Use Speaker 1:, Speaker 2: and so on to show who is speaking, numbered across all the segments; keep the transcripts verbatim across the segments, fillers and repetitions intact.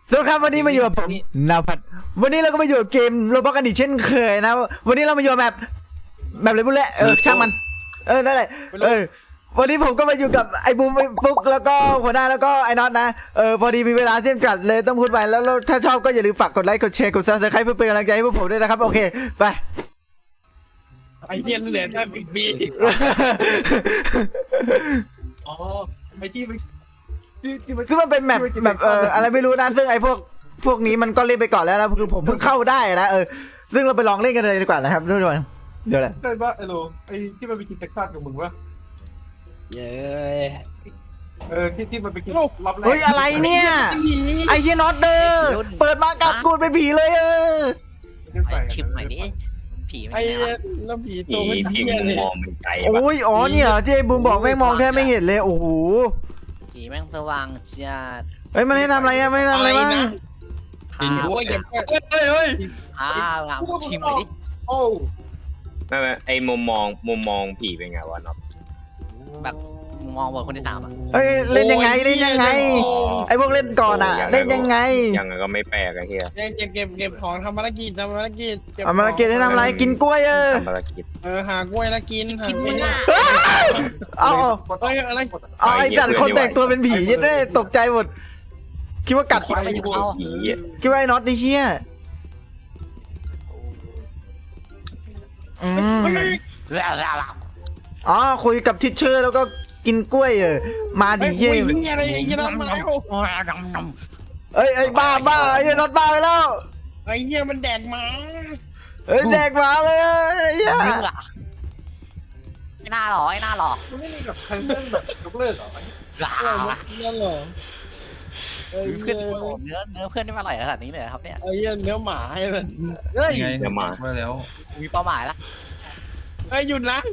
Speaker 1: สวัสดีครับวันนี้มาอยู่กับผมนาภัทรวันนี้เราก็มาอยู่กับเกมโรบอทกันอีกเช่นเคยนะวันนี้เรามาอยู่แบบแบบอะไรบุญแหละเออช่างมันเออนั่นแหละเออวันนี้ผมก็มาอยู่กับไอ้บูมไอ้ปุ๊กแล้วก็หัวหน้าแล้วก็ไอ้น็อตนะเออพอดีมีเวลาจำกัดเลยต้องพูดไปแล้วถ้าชอบก็อย่าลืมฝากกดไลค์กดแชร์กดซับสไครป์เพื่อเป็นกำลังใจให้พวกผมด้วยนะครับโอเคไป
Speaker 2: ไอ้เหี้ยเหลือแค่บิ๊กบีอ๋อไอ้ที่มันที่มัน
Speaker 1: ซึ่งมันเป็นแมปแบบเอออะไรไม่รู้นะซึ่งไอ้พวกพวกนี้มันก็เล่นไปก่อนแล้วนะคือผมเพิ่งเข้าได้นะเออซึ่งเราไปลองเล่นกันเลยดีกว่านะครับทุกคนเดี๋ยวแหละ
Speaker 2: ได้ปะไอ้โลไอ้ที่มันไปกินเท็กซัสกับมึงวะ
Speaker 3: เย้
Speaker 2: เออที่ที่มันไปกินรับแรก
Speaker 1: เฮ้ยอะไรเนี่ยไอ้เหี้ยน็อตเด้อเปิดมากัดกูเป็นผีเลยเออ
Speaker 3: ไอชิมหน่อยดิผีมัน
Speaker 2: ไอ้
Speaker 3: ไงวะ
Speaker 2: แล้วผี
Speaker 4: ผี
Speaker 2: ตัวมัน
Speaker 4: ผี
Speaker 2: เหี้ย
Speaker 4: มุ
Speaker 2: เล
Speaker 4: ม
Speaker 2: ย
Speaker 4: มองมันไกล
Speaker 1: โอ้ยอ๋อเนี่ยเจ๊บูมบอกแม่งมองแทบไม่เห็นเลยโอ้โห
Speaker 3: ผีแม่งสว่างจัด
Speaker 1: เฮ้ยมันให้ทำอะไรอะไม่ให้ทำอะไรบ้าง
Speaker 2: กินกูว่าอย่าเฮ้ยเฮ้ยเฮ้ย
Speaker 3: อ่าชิมหน่อยดิ
Speaker 2: โอ้
Speaker 4: ไม่ไม่ไอมุมมองมุมมองผีเป็นไงวะน็อต
Speaker 3: แบบมองบนคนที่สามอ่ะ
Speaker 1: เฮ้ยเล่นยังไงเล่นยังไงไอ้พวกเล่นก่อนอะเล่นยังไง
Speaker 4: ยังไงก็ไม่แปลกไอ้เหี้ย
Speaker 2: เก็บเก็บเก็บเก็บของทำภารกิจทำภารกิจ
Speaker 1: เอามาเกตให้ทำอะไรกินกล้วยเออ
Speaker 4: ทำภารกิจ
Speaker 2: เออหากล้วยแล้วกินหา
Speaker 3: กิน
Speaker 2: กล้วย
Speaker 3: หน้า
Speaker 1: เอา
Speaker 2: เฮ้ยอะไร
Speaker 1: เอาไอ้จัดคนแต่งตัวเป็นผียัดได้ตกใจหมดคิดว่ากัด
Speaker 3: คิดว่าไม่จะเข้า
Speaker 4: ผี
Speaker 1: คิดว่าไอ้น็อตนี่เชี่ยอืม อ๋อคุยกับทิชเชอร์แล้วก็กินกล้วยเออมาดิ
Speaker 2: เฮ้
Speaker 1: เย่
Speaker 2: ยมึงอะไรไอ้ยี่น้ำมาแล้ว
Speaker 1: เอ้ยไอ้บ้าบ้าไอ้น็อตบ้าไปแล้ว
Speaker 2: ไอ้เหี้ยมันแดกมา
Speaker 1: เอ้ยแดกหมาเลยไอ้เหี้ย
Speaker 3: ไอ้หน้าหรอไอ้หน้าหรอ
Speaker 2: มันไม่มีแบบคันเซิลแบบยกเลิกเหรอนั่นเหรอเอ้ย
Speaker 3: เพื่อนเนื้อเนื้อเพื่อนที่มาอร่อยขนาดนี้เลยครับเนี่ย
Speaker 2: ไอ้เหี้ยเนื้อหมาไอ้มัน
Speaker 3: เฮ้ย
Speaker 5: ไง
Speaker 4: เดี๋ยวมา
Speaker 5: มาแล้ว
Speaker 3: มีเป้าหมายละ
Speaker 2: เอ้ยหยุดนะ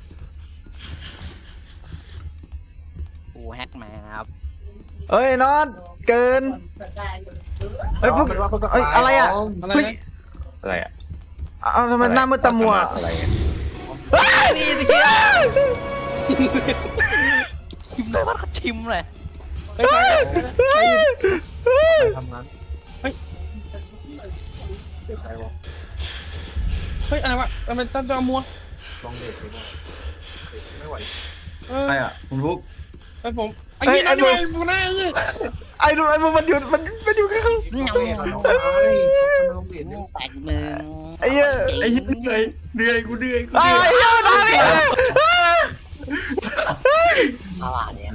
Speaker 3: กูแฮกแมนครับ
Speaker 1: เอ้ยน็อตเกินเอ้ยพวกเอ้ยอะไรอ่ะ
Speaker 2: อะไร
Speaker 1: เฮ้ย
Speaker 2: นะ
Speaker 4: อะไรอะ
Speaker 1: เอาทำไมหน้ามืดตามัว
Speaker 4: อะไรอะ
Speaker 1: เฮ้ย
Speaker 3: นี่สิกี้ชิมเลยว่าเขาชิมเลย
Speaker 2: เฮ้ย
Speaker 1: เฮ้ยเฮ้ย
Speaker 2: ทำงานเฮ้ยเฮ้ยอะไรวะทำไมตั้งตัวมัวลองเด็กไม่ไหวเออ
Speaker 5: ใครอ่ะคุณฟุก
Speaker 2: ไอ้ผมไอ้ยี่นั่นด้วยกูน่าไอ้ยี่
Speaker 1: ไอ้ดูไอ้มึงมันอยู่มันมันอยู่ข้าง
Speaker 3: แตกหนึ่ง
Speaker 1: ไอ้เหี้ย
Speaker 5: ไอ้เหี้ยเหนื่อยเหนื่อยกูเหนื่อยกู
Speaker 1: ไอ้
Speaker 5: เหนื่อย
Speaker 1: เหี้ยมันตามไป
Speaker 3: สว่างเนี่ย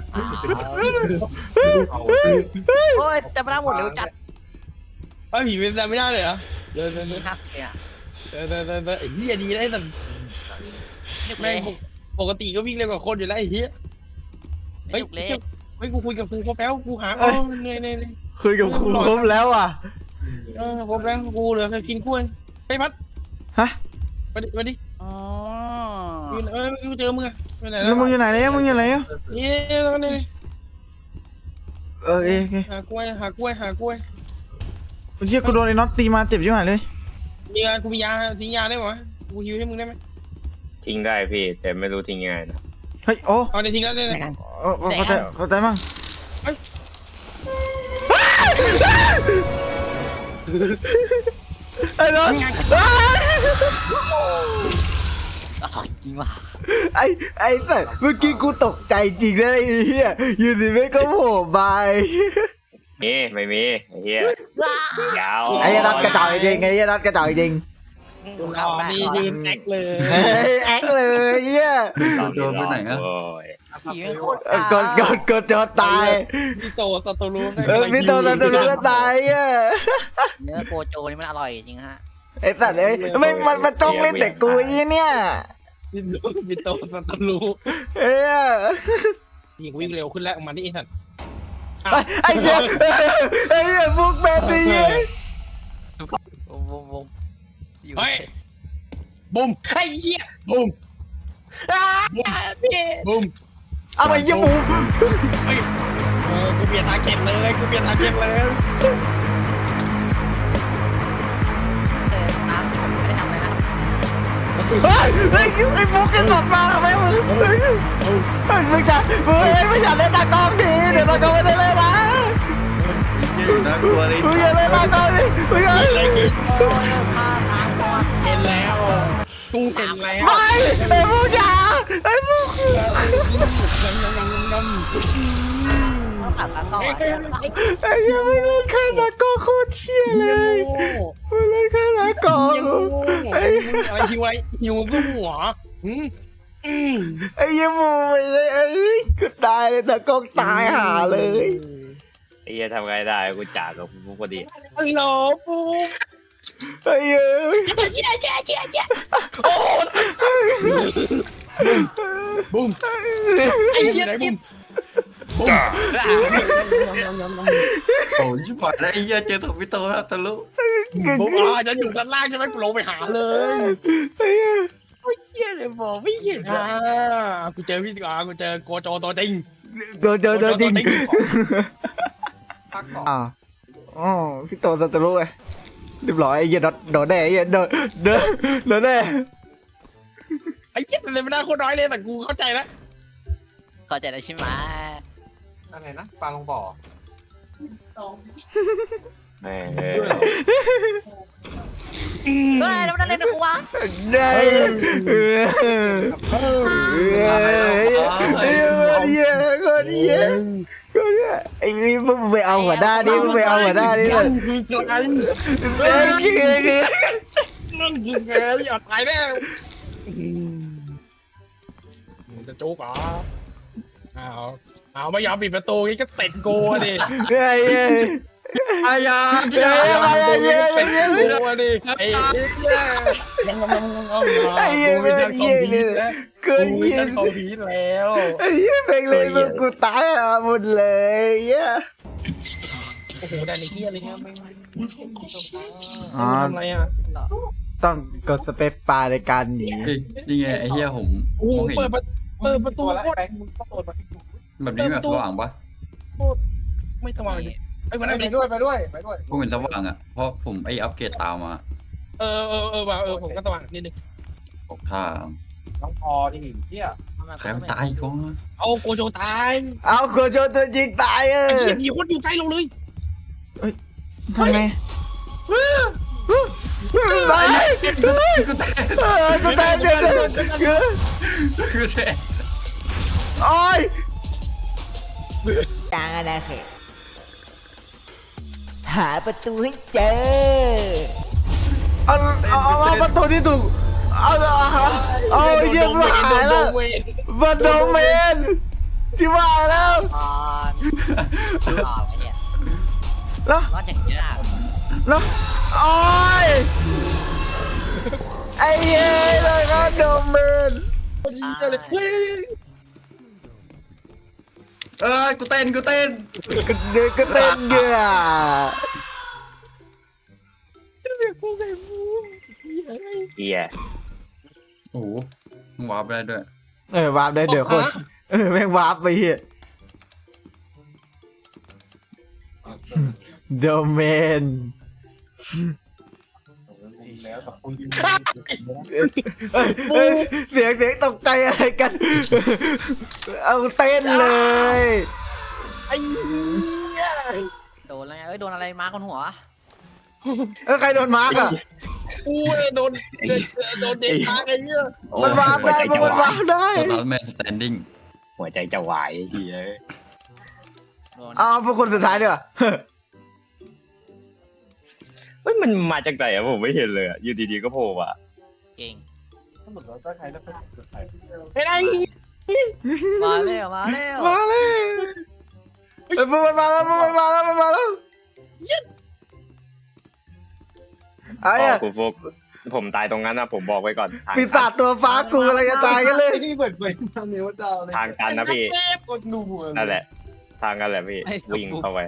Speaker 3: โอ้ยแต่ไม่ได้หมดเร็วจัด
Speaker 2: ไอ้ผีเป็นจำไม่ได้เลยเหรอเดินเดิน
Speaker 3: นี่ฮักเนี่ย
Speaker 2: เดินเดินเดินเดินไอ้เหี้ยดีได้แต่
Speaker 3: นึกเล
Speaker 2: แม่
Speaker 3: ย
Speaker 2: งปกติก็วิ่งเร็วกว่าคนอยู่แล้วไอ้เหี้ย
Speaker 3: นึกเลย
Speaker 2: เฮ้ยกูคุยกับครูครบแล้วกูหาอ๋อเหนื่อยเหนื่อย
Speaker 1: คุยกับครูครบแล้วอ่ะ
Speaker 2: เออครบแล้วกูเหลือแค่กินกล้วยไปพัด
Speaker 1: ฮะ
Speaker 2: มาดิมาดิ
Speaker 3: อ๋อ
Speaker 2: อยู่เออกูเจอมึงอะไปไหนแล้
Speaker 1: แล้ว วมึงอยู่ไหนเนี่ยมึงอยู่ไหนเนี่ย
Speaker 2: นี่แล้วก็นี่
Speaker 1: เออเอ้ย
Speaker 2: หากล้วยหากล้วยหากล้วย
Speaker 1: เมื่อกี้กูโดนไอ้น็อตตีมาเจ็บชิบหายเลย
Speaker 2: มียากูมียาทิ้งยาได้ไหมกูฮิวให้มึงได้ไหม
Speaker 4: ทิ้งได้พี่แต่ไม่รู้ทิ้งยังไงนะ
Speaker 1: เฮ้ยโอ้
Speaker 2: เอาได้ทิ้งแล้วได้เลย
Speaker 1: เออเข้าใจเข้าใจมั้งไอ้น็อต
Speaker 3: อร่อยจริงว่ะ
Speaker 1: ไอ้ไอ้แต่เมื่อกี้กูตกใจจริงนะไอ้เหี้ยอยู่ดีไม่ก็โผล่มา
Speaker 4: มีไม่มีไอ้เหี้ยยาว
Speaker 1: ไอ้น็อตกระจอกจริงไอ้น็อตกระจอกจริง
Speaker 2: อ๋อนี่ยืนแอคเลย
Speaker 1: เฮ้ยแอคเลยเหี้ย
Speaker 5: โดนไปไหนอ่ะ
Speaker 4: โอ้ย
Speaker 3: ผีไม่โคตร
Speaker 1: เออกดกดกดจอตาย
Speaker 2: พี่โตสตูรู
Speaker 1: เออพี่โตสันตุลุก็ตายอ่ะ
Speaker 3: เนื้อโกโจนี่มันอร่อยจริงฮะ
Speaker 1: ไอ้สัตว์เอ้ยไม่มันมันจ้องเล่นแต่กูอีเนี่ย
Speaker 2: พี่โตสตูรู
Speaker 1: เอ้ย
Speaker 2: ยิงวิ่งเร็วขึ้นแล้วออกมาที่ไอ้สัตว์
Speaker 1: ไอ้เจ้าไอ้เหี้ยพวกแบบนี้
Speaker 3: วงวงวง
Speaker 2: เฮ้ยบุ้มไอ้เหี้ยบุ้มบุ้ม
Speaker 1: เอาไปยี่ปู
Speaker 2: เออกูเปลี่ยนทาร์เก็ตเลยกูเปลี่ยนทาร์เก็ตเลย
Speaker 3: ตามที่ผมไม่ได้ทำเลยนะครับ
Speaker 1: เฮ้ยเฮ้ยไอ้พวกกันหลดมาทำไมมึงเฮ้ยมึงจะมึงไม่อยากเล่นตากล้องดีเดี๋ยวตากล้องไม่ได้เล่นนะ
Speaker 2: เย็น
Speaker 5: น่ากลัวเลย
Speaker 1: มึงอย่าเล่นตากล้องดิมึงอย่า
Speaker 2: อะไรกิน
Speaker 3: โอ้ยพาตามตัว
Speaker 2: เห็นแล้วกูเห็นแล้ว
Speaker 1: ไม่ไอ้พวกอย่าไอ้พวก
Speaker 3: ต้องตัดตามต่อ
Speaker 1: ไอ้เหี้ยังไม่เล่นฆ่าตากล้องโคตรเที่ยเลยไม่เล่นฆ่าตากล้อง
Speaker 2: อะไรหิวไว้หิวก็หัว
Speaker 1: ไอ้เหี้ยังมูไม่ได้เอ้ยกูตายเลยตากล้องตายหาเลย
Speaker 4: ไอ้เหี้ยทำไงได้กูจ่ากับกูพอดี
Speaker 2: ฮัลโหลปู
Speaker 1: ไอ้เหี้ย
Speaker 3: เจ๊เจ๊เจ๊เจ๊
Speaker 2: บุ้มไอ้เหี้ยบุ้มบุ้ม
Speaker 5: โอ้ยชิบหายแล้วไอ้เหี้ยเจอถวิโตแล้วทะลุ
Speaker 2: บุ้มอ่ะฉันอยู่ด้านล่างใช่ไหมกูลงไปหาเลย
Speaker 1: ไอ้เหี้ย
Speaker 3: เจ๊เลยบอกไม่เห็น
Speaker 2: อ่ากูเจอพี่อ่ากูเจอโกโจตัวจริง
Speaker 1: โดนเจอโดนจริงอ้าวอ๋อพี่โตสัตว์รู้ไงเรียบร้อยไอ้เหี้ยโดนโดนแน่ไอ้เหี้ยโดนโดนโดนแน่
Speaker 2: ไอ้เหี้ยเลยไม่ได้โคตรน้อยเลยแต่กูเข้าใจแล้ว
Speaker 3: เข้าใจแล้วใช่ไหม
Speaker 2: อะไรนะปลาลงบ่อ
Speaker 4: แม่ง
Speaker 3: เฮ้ยแล้วมันอะไรนะกูวะ
Speaker 1: ได้เออเออไอ้เหี้ยคนเหี้ยคนเหี้ยไอ้นี่มึงไปเอาหัวหน้านี่มึงไปเอาหัวหน้านี่เลย
Speaker 2: คือตัวไอ้
Speaker 1: ไอ้เหี้ยนี่
Speaker 2: นั่นคือไงอย่าตายแน่จะโจ๊กเหรออ้าวอ้าวไม่ยอมปิดประตูงี้ก็เตะโกดิ
Speaker 1: ไอ้เหี้ย
Speaker 2: อายา
Speaker 1: เฮ้ยมาเหี้ยเหี้ยเหี้ย
Speaker 2: เตะโกดิไอ้เหี้ยยังงงงงง
Speaker 1: ไอ้เหี้ยเป็นเหี้ยนี่เกิน
Speaker 2: กู
Speaker 1: เหี้ย
Speaker 2: จะเข้าผีแล้ว
Speaker 1: ไอ้เหี้ยเป็นเลยมึงกูตายอ่ะหมดเลยเหี้ย
Speaker 2: โอ้โหได้ในเหี้ยเลยเนี่ยไม่
Speaker 1: อ๋อ
Speaker 2: ทำอะไรอ่ะ
Speaker 1: ต้องกดสเปซปาในการหนี
Speaker 5: เฮ้ยนี่ไงไอ้เหี้ยผม
Speaker 2: โอ้
Speaker 5: มองเห็น
Speaker 2: เปิดประเปิดประตูโคตร
Speaker 5: แบบนี้แบบสว่างปะ
Speaker 2: ไม่สว่างเลยไอ้วันนั้นไปด้วยไปด้วยไปด้วย
Speaker 5: ผมเห็นสว่างอ่ะเพราะผมไอ้อัปเกรดตามมา
Speaker 2: เออเออเออว่ะเออผมก็สว่างนิดนึง
Speaker 5: บอกทาง
Speaker 2: น้องพอที่เหี้ย
Speaker 5: ใครมันตายอีก็
Speaker 2: เอาโกโจตาย
Speaker 1: เอาโกโจตัวจริงตายเอ
Speaker 2: ไอ้
Speaker 1: อ
Speaker 2: เหี้ยมีคนอยู่ใกล้เราเลย
Speaker 1: ทำไงตายกูตายกูตายเจ็บเลย
Speaker 5: คือแท้
Speaker 1: โอ้ยจางอะไรเหรอหาประตูให้เจอเอาเอาเอาประตูที่ถูกเอาเอาเอาไอ้เหี้ยมาหายแล้วบันโดเมนจิว่าแล้ว
Speaker 3: อ่อนอ่อนไอ้เนี่ย
Speaker 1: แล้ว
Speaker 3: รอดอย่างนี้นะ
Speaker 1: แล้วโอ้ยไอ้เหี้ยเลยก็โดเมน
Speaker 2: ดีใจเลยเฮ้ย
Speaker 5: เอ้ยกูเต้นกูเต้น
Speaker 1: ก็เดินก็เต้นเกือ
Speaker 2: เรียกพวกไอ้บูม
Speaker 4: เหี้ย
Speaker 5: โอ้โหมึงวาร์ปได้ด้วย
Speaker 1: เออวาร์ปได้เดี๋ยวคนเออแม่งวาร์ปไปเหี้ยโดเมน
Speaker 2: แล้วกับคุณ
Speaker 1: เอ้ยเอ้ยเสียงเสียงตกใจอะไรกัน เอาเต้นเลย
Speaker 2: ไอ้เหี้ย
Speaker 3: โดนอะไรเอ้ยโดนอะไรมาคนหัว
Speaker 1: เออใครโดนมาร์กอ่ะ
Speaker 2: กูโดนโดนเด็กตายไอ้เหี้ย
Speaker 1: มันวาร์ปได้มันวาร์ปได้
Speaker 5: ตอนนั้นแมนสแตนดิ้ง
Speaker 4: หัวใจจะวายไอ้เหี้ย
Speaker 3: โดน
Speaker 1: เอาพวกคนสุดท้ายดีกว่า
Speaker 4: เฮ้ยมันมาจากไหนอะผมไม่เห็นเลยอะอยู่ดีๆก็โผล่มา
Speaker 3: เก่ง
Speaker 2: ไม่ได้
Speaker 3: มาเร็วมาเร็ว
Speaker 1: มาเลยเอ้ยมันมาแล้วมันมาแล้วมันมาแล้วไอ้
Speaker 4: อ๋
Speaker 1: อะ
Speaker 4: อคุณฟุกผมตายตรงนั้นนะผมบอกไว้ก่อนทาง
Speaker 1: ปีศาจตัวฟ้ากูอะไรจะตายกันเลย
Speaker 2: ที่เปิดเผยทางเนื้อดาวเลย
Speaker 4: ทางกันนะพี่
Speaker 2: กดหนู
Speaker 4: นั่นแหละ ทางกันแหละพี่วิ่งเข้าไป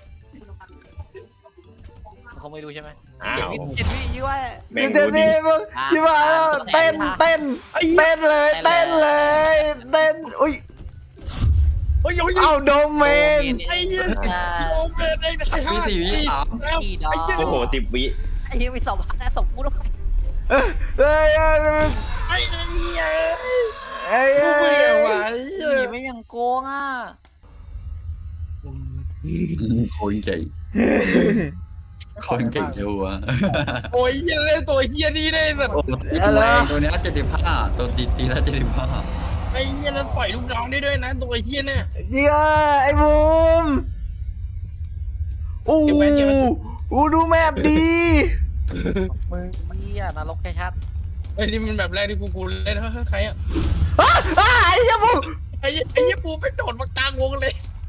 Speaker 3: เขาไม่รู้ใช่ไหม
Speaker 4: อ้า
Speaker 3: เจ็ด
Speaker 4: ว
Speaker 3: วิเจ็ดวิยื้อไว้
Speaker 4: แม่ง
Speaker 1: เดี๋ยว
Speaker 4: ดูดิ
Speaker 1: นี้มึงที่มาแล้วเต้นเต้นเต้นเลยเต้นเลยเต้นอุ้ย
Speaker 2: โอ้ยโอ้ย
Speaker 1: เอาโดเมน
Speaker 2: ไอ้เหี้ยโอเมนไอ้ไอ้ห้า
Speaker 5: มีสี่วิสาม
Speaker 2: แล้ว
Speaker 3: กี่ดอก
Speaker 4: โอ้โหสิบวิ
Speaker 3: ไอ้เหี้ยมีสองพันนะส่งกูด้วย
Speaker 1: เอ้ยเอ้ย
Speaker 2: ไอ้เหี้ย
Speaker 1: เอ้ย
Speaker 2: กูไม่ไหว
Speaker 3: หนีไม่ยังโกงอ่ะ
Speaker 5: โคตรใจคนเก่งชัวร์
Speaker 2: โอ้ยเฮียเล่นตัวเฮียนี่ได้แบบ
Speaker 5: โอ้ตีแรงตัวเนี้ยเจ็ดสิบห้าตัวตีตีละเจ็ดสิบห้า
Speaker 2: ไอ้เฮียนั้นปล่อยลูกน้องได้ด้วยนะตัวเฮียเนี่ย
Speaker 1: เดี๋ยวไอ้บูมโอ้โหโอ้ดูแมปดี
Speaker 3: มึงเหี้ยนรกชัด
Speaker 2: ไอ้นี่มันแบบแรกที่กูกูเล่นเฮ้ยใครอ่ะ
Speaker 1: อ้าอ้าไอ้เหี้ยบูม
Speaker 2: ไอ้เหี้ยไอ้เหี้ยปูไปโดดมากลางวงเลย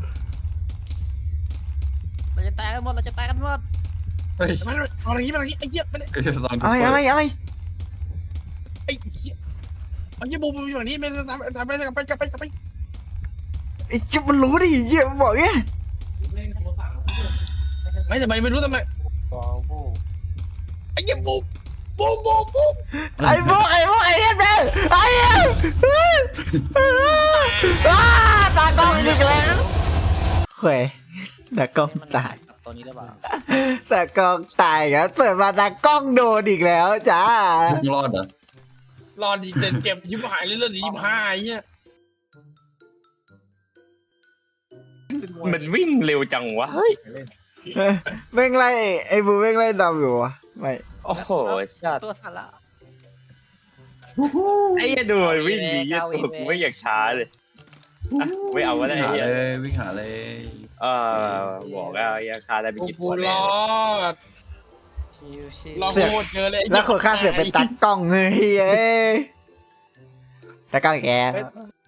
Speaker 3: ๆเราจะตายกันหมดเราจะตายกันหมด
Speaker 5: เฮ้ย
Speaker 2: มันเอาอะไรนี้มาอะไรนี้ไอ้เหี้ยมัน
Speaker 5: เอ้ยลองดู
Speaker 1: อะไรอะไรอะไร
Speaker 2: ไอ้เหี้ยไอ้เหี้ยปูปูอยู่แบบนี้มันทำทำไปกลับไปกลับไปกลับไป
Speaker 1: ไอ้จิ๊บมันรู้ดิเหี้ยมันบอกไง
Speaker 2: ไม่แต่ไม่รู้ทำไมไอ้เหี้ยปูปูปูปู
Speaker 1: ไอ้พวกไอ้พวกไอ้เหี้ยเด้อไอ้เหี้ยอ้าตากล้องอีกแล้วเฮ้ยตากล้อง
Speaker 3: มัน
Speaker 1: ตาย
Speaker 3: กับตัวนี้หรือเปล่า
Speaker 1: ตากล้องตายครับเปิดมาตากล้องโดนอีกแล้วจ้า
Speaker 5: มึงรอดเหรอ
Speaker 2: รอดีเต็มเก็บยิ้มหายเลยเลือดยิ้มหายไอ้เหี้ย
Speaker 4: มันวิ่งเร็วจังวะเฮ้ย
Speaker 1: แม่งไล่ไอ้บูแม่งไล่ดำอยู่วะไม่
Speaker 4: โอ้โหสัตว์
Speaker 3: ตัวสั่นละ
Speaker 4: ไอ้เหี้ยดูมันวิ่งดีเหี้ยตัวกูไม่อยากช้าเลยอ่ะไม่เอาก็ได้
Speaker 5: วิ่ง
Speaker 4: ไอ้
Speaker 5: หา
Speaker 4: เหี้ย
Speaker 5: เลยวิ่งหาเลย
Speaker 4: เออบอกแล้วไอ้เหี้ยฆ่าได้ไป
Speaker 2: ปู
Speaker 4: กี่
Speaker 2: ปู
Speaker 4: ตัว
Speaker 2: ร
Speaker 4: แล้ว
Speaker 2: อด
Speaker 3: ชิวชิว
Speaker 2: รอโคตรเจอเลย
Speaker 1: แล้วคนฆ่าเสือกเป็นตากล้องเฮ้ยเอ้ยตากล้องแก